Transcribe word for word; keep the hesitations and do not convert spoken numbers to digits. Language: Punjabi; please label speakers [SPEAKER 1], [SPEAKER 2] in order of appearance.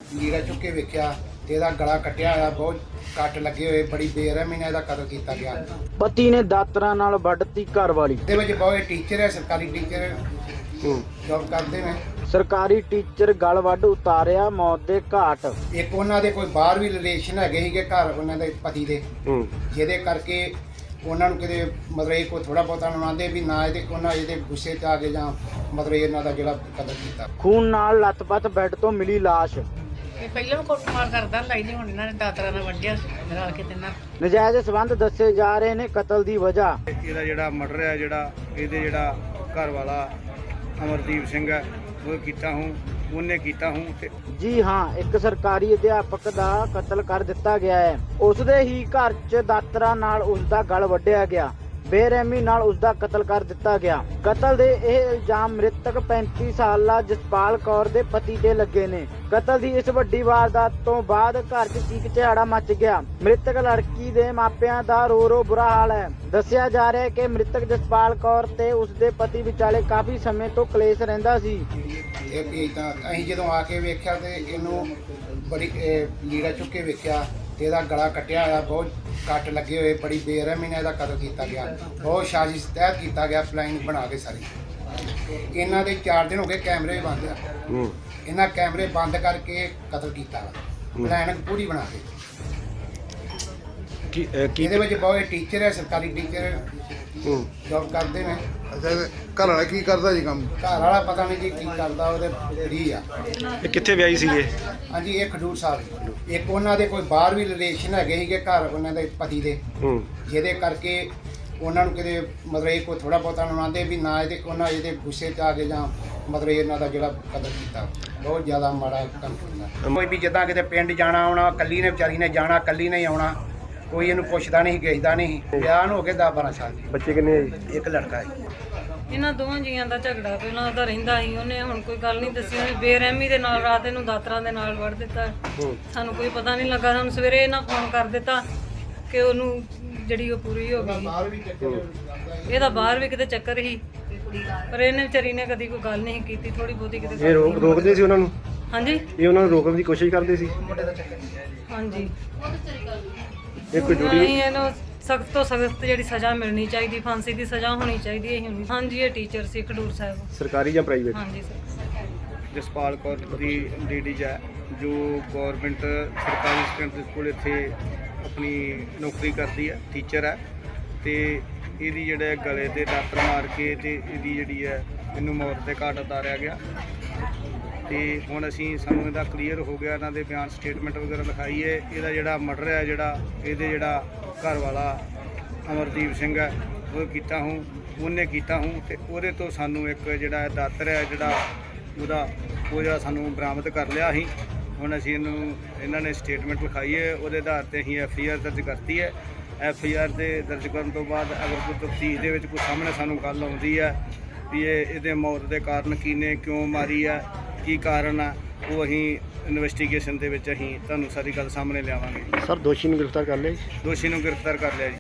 [SPEAKER 1] ਲੀੜਾ ਚੁੱਕ ਕੇ ਵੇਖਿਆ ਤੇ ਇਹਦਾ ਗਲਾ ਕੱਟਿਆ ਹੋਇਆ, ਬਹੁਤ ਕੱਟ ਲੱਗੇ ਹੋਏ, ਬੜੀ ਬੇਰਹਿਮੀ ਨਾਲ ਇਹਦਾ ਕਤਲ ਕੀਤਾ ਗਿਆ।
[SPEAKER 2] ਪਤੀ ਨੇ ਦਾਤਰਾਂ ਨਾਲ ਵੱਢਤੀ ਘਰਵਾਲੀ।
[SPEAKER 1] ਇਹਦੇ ਵਿੱਚ ਬਹੁਤ ਟੀਚਰ ਹੈ, ਸਰਕਾਰੀ ਟੀਚਰ ਜੌਬ ਕਰਦੇ ਨੇ।
[SPEAKER 2] ਸਰਕਾਰੀ ਟੀਚਰ ਗਲ ਵੱਢ ਉਤਾਰਿਆ, ਮੌਤ ਦੇ ਘਾਟ।
[SPEAKER 1] ਇੱਕ ਉਹਨਾਂ ਦੇ ਕੋਈ ਬਾਹਰ ਵੀ ਰਿਲੇਸ਼ਨ ਹੈਗੇ ਸੀਗੇ ਘਰ ਉਹਨਾਂ ਦੇ ਪਤੀ ਦੇ, ਜਿਹਦੇ ਕਰਕੇ ਉਹਨਾਂ ਨੂੰ ਕਿਤੇ ਮਤਲਬ ਇਹ ਕੋਈ ਥੋੜਾ ਬਹੁਤਾ ਆਉਂਦੇ ਵੀ ਨਾ ਇਹਦੇ ਉਹਨਾਂ ਇਹਦੇ ਗੁੱਸੇ 'ਚ ਆ ਕੇ ਜਾਂ ਮਤਲਬ ਇਹਨਾਂ ਦਾ ਜਿਹੜਾ ਕਤਲ ਕੀਤਾ।
[SPEAKER 2] ਖੂਨ ਨਾਲ ਲੱਤ-ਪੱਤ ਬੈੱਡ ਤੋਂ ਮਿਲੀ ਲਾਸ਼।
[SPEAKER 3] ਇਹ ਪਹਿਲਾਂ ਕੁੱਟਮਾਰ ਕਰਦਾ ਲਾਈ ਨਹੀਂ, ਹੁਣ ਇਹਨਾਂ ਨੇ ਦਾਤਰਾ ਨਾਲ ਵੱਢਿਆ ਰਲ ਕੇ ਤਿੰਨਾਂ।
[SPEAKER 2] ਨਜਾਇਜ਼ ਸਬੰਧ ਦੱਸੇ ਜਾ ਰਹੇ ਨੇ ਕਤਲ ਦੀ ਵਜ੍ਹਾ।
[SPEAKER 4] ਇਹਦਾ ਜਿਹੜਾ ਮਰਡਰ ਹੈ, ਜਿਹੜਾ ਇਹਦੇ ਜਿਹੜਾ ਘਰ ਵਾਲਾ ਅਮਰਦੀਪ ਸਿੰਘ ਹੈ ਉਹ ਕੀਤਾ ਹੂੰ ਉਹਨੇ ਕੀਤਾ ਹੂੰ ਤੇ
[SPEAKER 2] ਜੀ ਹਾਂ, ਇੱਕ ਸਰਕਾਰੀ ਅਧਿਆਪਕ ਦਾ ਕਤਲ ਕਰ ਦਿੱਤਾ ਗਿਆ ਹੈ। ਉਸ ਦੇ ਹੀ ਘਰ 'ਚ ਦਾਤਰਾ ਨਾਲ ਉਸ ਦਾ ਗਲ ਵੱਢਿਆ ਗਿਆ, ਬੇਰਹਿਮੀ ਨਾਲ ਉਸ ਦਾ ਕਤਲ ਕਰ ਦਿੱਤਾ ਗਿਆ। ਕਤਲ ਦੇ ਇਹ ਇਲਜ਼ਾਮ ਮ੍ਰਿਤਕ ਪੈਂਤੀ ਸਾਲਾ ਜਸਪਾਲ ਕੌਰ ਦੇ ਪਤੀ ਤੇ ਲੱਗੇ ਨੇ। ਕਤਲ ਦੀ ਇਸ ਵੱਡੀ ਵਾਰਦਾਤ ਤੋਂ ਬਾਅਦ ਘਰ 'ਚ ਚੀਕ ਚਿਹਾੜਾ ਮਚ ਗਿਆ। ਮ੍ਰਿਤਕ ਲੜਕੀ ਦੇ ਮਾਪਿਆਂ ਦਾ ਰੋ ਰੋ ਬੁਰਾ ਹਾਲ ਹੈ। ਦੱਸਿਆ ਜਾ ਰਿਹਾ ਹੈ ਕਿ ਮ੍ਰਿਤਕ ਜਸਪਾਲ ਕੌਰ ਤੇ ਉਸ ਦੇ ਪਤੀ ਵਿਚਾਲੇ ਕਾਫੀ ਸਮੇਂ ਤੋਂ ਕਲੇਸ਼ ਰਹਿੰਦਾ ਸੀ।
[SPEAKER 1] ਇਹ ਵੀ ਤਾਂ ਅਸੀਂ ਜਦੋਂ ਆ ਕੇ ਵੇਖਿਆ ਤੇ ਇਹਨੂੰ ਬੜੀ ਲੀੜਾ ਚੁੱਕ ਕੇ ਵੇਖਿਆ ਤੇ ਇਹਦਾ ਗਲਾ ਕੱਟਿਆ ਹੋਇਆ, ਬਹੁਤ ਕੱਟ ਲੱਗੇ ਹੋਏ, ਬੜੀ ਬੇਰਹਿਮੀ ਨਾਲ ਇਹਦਾ ਕਤਲ ਕੀਤਾ ਗਿਆ। ਬਹੁਤ ਸਾਜ਼ਿਸ਼ ਤਹਿਤ ਕੀਤਾ ਗਿਆ, ਪਲਾਨ ਬਣਾ ਕੇ ਸਾਰੀ। ਇਹਨਾਂ ਦੇ ਚਾਰ ਦਿਨ ਹੋ ਗਏ ਕੈਮਰੇ ਬੰਦ ਆ, ਇਹਨਾਂ ਕੈਮਰੇ ਬੰਦ ਕਰਕੇ ਕਤਲ ਕੀਤਾ ਪਲਾਨ ਪੂਰੀ ਬਣਾ ਕੇ। ਇਹਦੇ ਵਿੱਚ ਬਹੁਤ ਟੀਚਰ ਹੈ, ਸਰਕਾਰੀ ਟੀਚਰ ਜੌਬ ਕਰਦੇ ਨੇ।
[SPEAKER 5] ਅੱਛਾ, ਘਰ ਵਾਲਾ ਕੀ ਕਰਦਾ ਜੀ ਕੰਮ?
[SPEAKER 1] ਘਰ ਵਾਲਾ ਪਤਾ ਨਹੀਂ ਜੀ ਕੀ ਕਰਦਾ, ਉਹਦੇ ਫਰੀ ਆ।
[SPEAKER 6] ਇਹ ਕਿੱਥੇ ਵਿਆਹੀ ਸੀਗੇ?
[SPEAKER 1] ਹਾਂਜੀ, ਇਹ ਖਡੂਰ ਸਾਹਿਬ। ਇੱਕ ਉਹਨਾਂ ਦੇ ਕੋਈ ਬਾਹਰ ਵੀ ਰਿਲੇਸ਼ਨ ਹੈਗੇ ਸੀਗੇ ਘਰ ਉਹਨਾਂ ਦੇ ਪਤੀ ਦੇ, ਜਿਹਦੇ ਕਰਕੇ ਉਹਨਾਂ ਨੂੰ ਕਿਤੇ ਮਤਲਬ ਇਹ ਕੋਈ ਥੋੜਾ ਬਹੁਤਾ ਆਉਂਦੇ ਵੀ ਨਾ ਇਹਦੇ ਉਹਨਾਂ ਇਹਦੇ ਗੁੱਸੇ 'ਚ ਆ ਕੇ ਜਾਂ ਮਤਲਬ ਇਹਨਾਂ ਦਾ ਜਿਹੜਾ ਕਤਲ ਕੀਤਾ। ਬਹੁਤ ਜ਼ਿਆਦਾ ਮਾੜਾ ਕੰਮ ਕੀਤਾ। ਕੋਈ ਵੀ ਜਿੱਦਾਂ ਕਿਤੇ ਪਿੰਡ ਜਾਣਾ ਆਉਣਾ, ਕੱਲੀ ਨੇ ਵਿਚਾਰੀ ਨੇ ਜਾਣਾ, ਕੱਲੀ ਨੇ ਆਉਣਾ, ਕੋਈ ਇਹਨੂੰ ਪੁੱਛਦਾ ਨਹੀਂ, ਗੇਜਦਾ ਨਹੀਂ। ਵਿਆਹ ਨੂੰ ਹੋ ਗਏ ਦਸ ਬਾਰਾਂ ਸਾਲ।
[SPEAKER 6] ਬੱਚੇ ਕਿੰਨੇ ਆ ਜੀ?
[SPEAKER 1] ਇੱਕ ਲੜਕਾ ਹੈ।
[SPEAKER 7] ਇਹਨਾਂ ਦੋਵਾਂ ਜੀਆਂ ਦਾ ਝਗੜਾ ਪਹਿਲਾਂ ਉਹਦਾ ਰਹਿੰਦਾ ਸੀ। ਉਹਨੇ ਹੁਣ ਕੋਈ ਗੱਲ ਨਹੀਂ ਦੱਸੀ, ਉਹਨੇ ਬੇਰਹਿਮੀ ਦੇ ਨਾਲ ਰਾਤ ਇਹਨੂੰ ਦਾਤਰਾਂ ਦੇ ਨਾਲ ਵੜ ਦਿੱਤਾ। ਸਾਨੂੰ ਕੋਈ ਪਤਾ ਨਹੀਂ ਲੱਗਾ। ਸਾਨੂੰ ਸਵੇਰੇ ਇਹਨਾਂ ਫੋਨ ਕਰ ਦਿੱਤਾ ਕਿ ਉਹਨੂੰ ਜਿਹੜੀ ਉਹ ਪੂਰੀ ਹੋ ਗਈ। ਇਹਦਾ ਬਾਹਰ ਵੀ ਕਿਤੇ ਚੱਕਰ ਸੀ, ਪਰ ਇਹਨੇ ਵਿਚਾਰੀ ਨੇ ਕਦੀ ਕੋਈ ਗੱਲ ਨਹੀਂ ਕੀਤੀ। ਥੋੜੀ ਬਹੁਤੀ ਕਿਤੇ
[SPEAKER 6] ਇਹ ਰੋਕ ਰੋਕਦੇ ਸੀ ਉਹਨਾਂ ਨੂੰ?
[SPEAKER 7] ਹਾਂਜੀ,
[SPEAKER 6] ਇਹ ਉਹਨਾਂ ਨੂੰ ਰੋਕਣ ਦੀ ਕੋਸ਼ਿਸ਼ ਕਰਦੇ ਸੀ?
[SPEAKER 7] ਹਾਂਜੀ।
[SPEAKER 6] ਇਹ ਕੋਈ ਡਿਊਟੀ
[SPEAKER 7] ਨਹੀਂ, ਇਹਨੂੰ ਸਖਤ ਤੋਂ ਸਖਤ ਜਿਹੜੀ ਸਜ਼ਾ ਮਿਲਣੀ ਚਾਹੀਦੀ, ਫਾਂਸੀ ਦੀ ਸਜ਼ਾ ਹੋਣੀ ਚਾਹੀਦੀ ਹੈ। ਹੁਣ ਹਾਂਜੀ, ਇਹ ਟੀਚਰ ਸੀ ਖਡੂਰ ਸਾਹਿਬ।
[SPEAKER 6] ਸਰਕਾਰੀ ਜਾਂ ਪ੍ਰਾਈਵੇਟ?
[SPEAKER 7] ਹਾਂਜੀ ਸਰ।
[SPEAKER 4] ਜਸਪਾਲ ਕੌਰ ਦੀ ਲੇਡੀਜ਼ ਹੈ ਜੋ ਗੌਰਮੈਂਟ ਸਰਕਾਰੀ ਸੈਕੰਡਰੀ ਸਕੂਲ ਇੱਥੇ ਆਪਣੀ ਨੌਕਰੀ ਕਰਦੀ ਹੈ, ਟੀਚਰ ਹੈ। ਤੇ ਇਹਦੀ ਜਿਹੜੇ ਗਲੇ ਤੇ ਦਾਤਰ ਮਾਰ ਕੇ ਤੇ ਇਹਦੀ ਜਿਹੜੀ ਹੈ ਇਹਨੂੰ ਮੌਤ ਦੇ ਘਾਟ ਉਤਾਰਿਆ ਗਿਆ। ਤੇ ਹੁਣ ਅਸੀਂ ਸਾਨੂੰ ਇਹਦਾ ਕਲੀਅਰ ਹੋ ਗਿਆ, ਇਹਨਾਂ ਦੇ ਬਿਆਨ ਸਟੇਟਮੈਂਟ ਵਗੈਰਾ ਲਿਖਾਈ ਹੈ। ਇਹਦਾ ਜਿਹੜਾ ਮਰਡਰ ਹੈ, ਜਿਹੜਾ ਇਹਦੇ ਜਿਹੜਾ ਘਰ ਵਾਲਾ ਅਮਰਦੀਪ ਸਿੰਘ ਹੈ ਉਹ ਕੀਤਾ ਹੂੰ ਉਹਨੇ ਕੀਤਾ ਹੂੰ ਤੇ ਉਹਦੇ ਤੋਂ ਸਾਨੂੰ ਇੱਕ ਜਿਹੜਾ ਦਾਤਰ ਹੈ ਜਿਹੜਾ ਉਹਦਾ ਉਹ ਜਿਹੜਾ ਸਾਨੂੰ ਬਰਾਮਦ ਕਰ ਲਿਆ ਸੀ। ਹੁਣ ਅਸੀਂ ਇਹਨੂੰ ਇਹਨਾਂ ਨੇ ਸਟੇਟਮੈਂਟ ਲਿਖਾਈ ਹੈ, ਉਹਦੇ ਆਧਾਰ 'ਤੇ ਅਸੀਂ ਐਫ ਆਈ ਆਰ ਦਰਜ ਕਰਤੀ ਹੈ। ਐਫ ਆਈ ਆਰ ਦੇ ਦਰਜ ਕਰਨ ਤੋਂ ਬਾਅਦ ਅਗਰ ਕੋਈ ਤਫਤੀਸ਼ ਦੇ ਵਿੱਚ ਕੋਈ ਸਾਹਮਣੇ ਸਾਨੂੰ ਗੱਲ ਆਉਂਦੀ ਹੈ ਵੀ ਇਹ ਇਹਦੇ ਮੌਤ ਦੇ ਕਾਰਨ ਕੀ ਨੇ, ਕਿਉਂ ਮਾਰੀ ਆ, ਕੀ ਕਾਰਨ ਆ, ਉਹ ਅਸੀਂ ਇਨਵੈਸਟੀਗੇਸ਼ਨ ਦੇ ਵਿੱਚ ਅਸੀਂ ਤੁਹਾਨੂੰ ਸਾਰੀ ਗੱਲ ਸਾਹਮਣੇ ਲਿਆਵਾਂਗੇ।
[SPEAKER 6] ਸਰ ਦੋਸ਼ੀ ਨੂੰ ਗ੍ਰਿਫਤਾਰ ਕਰ ਲਿਆ ਜੀ?
[SPEAKER 4] ਦੋਸ਼ੀ ਨੂੰ ਗ੍ਰਿਫਤਾਰ ਕਰ ਲਿਆ ਜੀ।